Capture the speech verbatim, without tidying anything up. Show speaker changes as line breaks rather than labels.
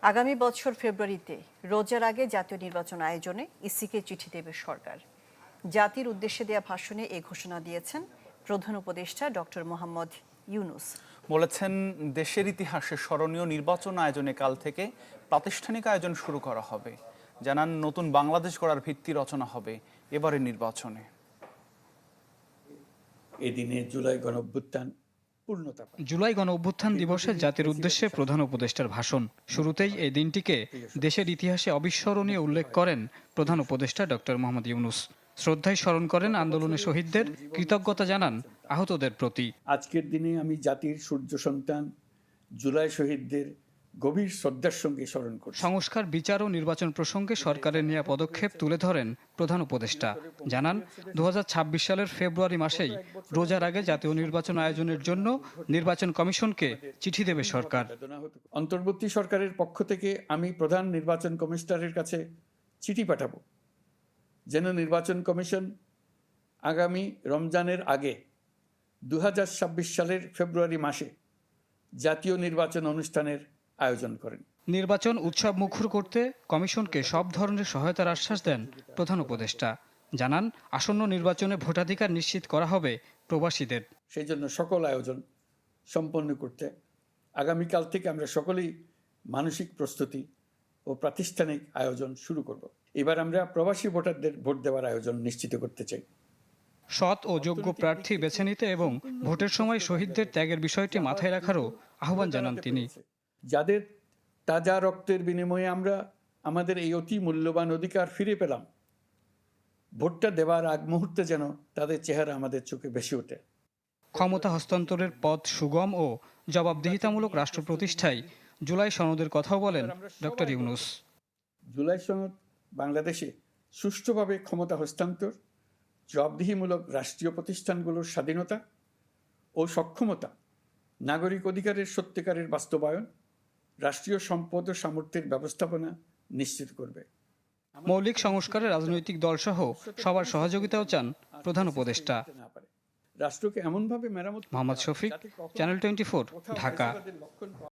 আগামী বছর ফেব্রুয়ারিতে রোজার আগে জাতীয় নির্বাচন আয়োজনে ইসিকে চিঠি দেবে সরকার। জাতির উদ্দেশ্যে দেয়া ভাষণে এ ঘোষণা দিয়েছেন প্রধান উপদেষ্টা ডক্টর মোহাম্মদ ইউনুস।
বলেছেন, দেশের ইতিহাসে স্মরণীয় নির্বাচন আয়োজনে কাল থেকে প্রাতিষ্ঠানিক আয়োজন শুরু করা হবে। জানান, নতুন বাংলাদেশ গড়ার ভিত্তি রচনা হবে এবারের নির্বাচনে।
এদিনে জুলাই গণঅভ্যুত্থান পূর্ণতা
জুলাই গণ অভ্যুত্থান দিবসে জাতির উদ্দেশ্যে প্রধান উপদেষ্টার ভাষণ। শুরুতেই এই দিনটিকে দেশের ইতিহাসে অবিস্মরণীয় উল্লেখ করেন প্রধান উপদেষ্টা ডক্টর মোহাম্মদ ইউনুস। শ্রদ্ধায় স্মরণ করেন আন্দোলনে শহীদদের, কৃতজ্ঞতা জানান আহতদের প্রতি।
আজকের দিনে আমি জাতির সূর্য সন্তান জুলাই শহীদদের গভীর শ্রদ্ধার সঙ্গে স্মরণ করছি।
সংস্কার, বিচার ও নির্বাচন প্রসঙ্গে সরকারের নেওয়া পদক্ষেপ তুলে ধরেন প্রধান উপদেষ্টা। জানান, দু হাজার ছাব্বিশ সালের ফেব্রুয়ারি মাসেই রোজার আগে জাতীয় নির্বাচন আয়োজনের জন্য নির্বাচন কমিশনকে চিঠি দেবে সরকার।
অন্তর্বর্তী সরকারের পক্ষ থেকে আমি প্রধান নির্বাচন কমিশনারের কাছে চিঠি পাঠাবো, যেন নির্বাচন কমিশন আগামী রমজানের আগে দু হাজার ছাব্বিশ সালের ফেব্রুয়ারি মাসে জাতীয় নির্বাচন অনুষ্ঠানের আয়োজন করেন।
নির্বাচন উৎসব মুখর করতে কমিশনকে সব ধরনের সহায়তার আশ্বাস দেন প্রধান উপদেষ্টা। জানান, আসন্ন নির্বাচনে ভোটাধিকার নিশ্চিত করা হবে প্রবাসীদের।
সেই জন্য সকল আয়োজন সম্পন্ন করতে আগামীকাল থেকে আমরা সকলেই মানসিক প্রস্তুতি ও প্রাতিষ্ঠানিক আয়োজন শুরু করব। এবার আমরা প্রবাসী ভোটারদের ভোট দেওয়ার আয়োজন নিশ্চিত করতে চাই।
সৎ ও যোগ্য প্রার্থী বেছে নিতে এবং ভোটের সময় শহীদদের ত্যাগের বিষয়টি মাথায় রাখারও আহ্বান জানান তিনি।
যাদের তাজা রক্তের বিনিময়ে আমরা আমাদের এই অতি মূল্যবান অধিকার ফিরে পেলাম, ভোটটা দেওয়ার আগ মুহূর্তে যেন তাদের চেহারা আমাদের চোখে ভেসে ওঠে।
ক্ষমতা হস্তান্তরের পথ সুগম ও জবাবদিহিতামূলক রাষ্ট্র প্রতিষ্ঠায় জুলাই সনদের কথাও বলেন ডক্টর ইউনুস।
জুলাই সনদ বাংলাদেশে সুষ্ঠুভাবে ক্ষমতা হস্তান্তর, জবাবদিহিমূলক রাষ্ট্রীয় প্রতিষ্ঠানগুলোর স্বাধীনতা ও সক্ষমতা, নাগরিক অধিকারের সত্যিকারের বাস্তবায়ন, রাষ্ট্রীয় সম্পদ ও সামর্থ্যের ব্যবস্থাপনা নিশ্চিত করবে।
মৌলিক সংস্কারে রাজনৈতিক দলসহ সবার সহযোগিতাও চান প্রধান উপদেষ্টা।
রাষ্ট্রকে এমনভাবে মেরামত
মোহাম্মদ শফিক, চ্যানেল টোয়েন্টি, ঢাকা।